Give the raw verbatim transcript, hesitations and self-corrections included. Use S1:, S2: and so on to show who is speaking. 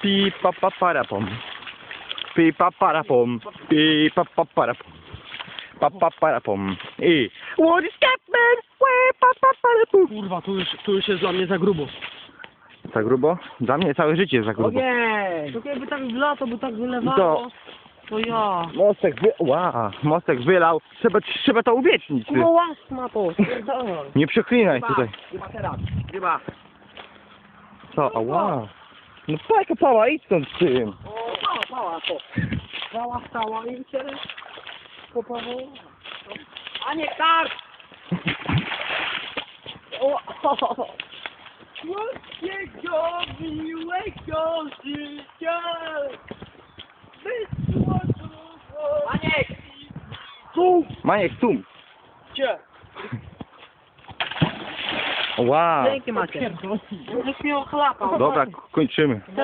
S1: Pi pa pa para pom. Pi pa para pom. Pi pa pa para pom. Pa pa para pom. I what is happening? Wee, pa pa para pom.
S2: Kurwa, tu już, tu już jest dla mnie za grubo.
S1: Za grubo? Dla mnie całe życie jest za grubo.
S2: Ojej! To jakby tak w lato, by tak wylewało,
S1: To-
S2: to ja.
S1: Mostek wy... Wow, mostek wylał. Trzeba, trzeba to uwiecznić. Ty.
S2: No łas ma to, spierdolę.
S1: Nie przeklinaj tutaj.
S2: Chyba teraz, chyba.
S1: Co? Ała. No pajka pała, idź stąd z tym.
S2: O, pała, pała to. Pała stała i teraz popawało. A nie tak! O, Słodkiego, miłego życia! Maniek! Tu!
S1: Maniek, sum.
S2: Gdzie?
S1: Wow.
S2: Dzięki Macie. Żeś mnie ochlapał.
S1: Dobra, kończymy.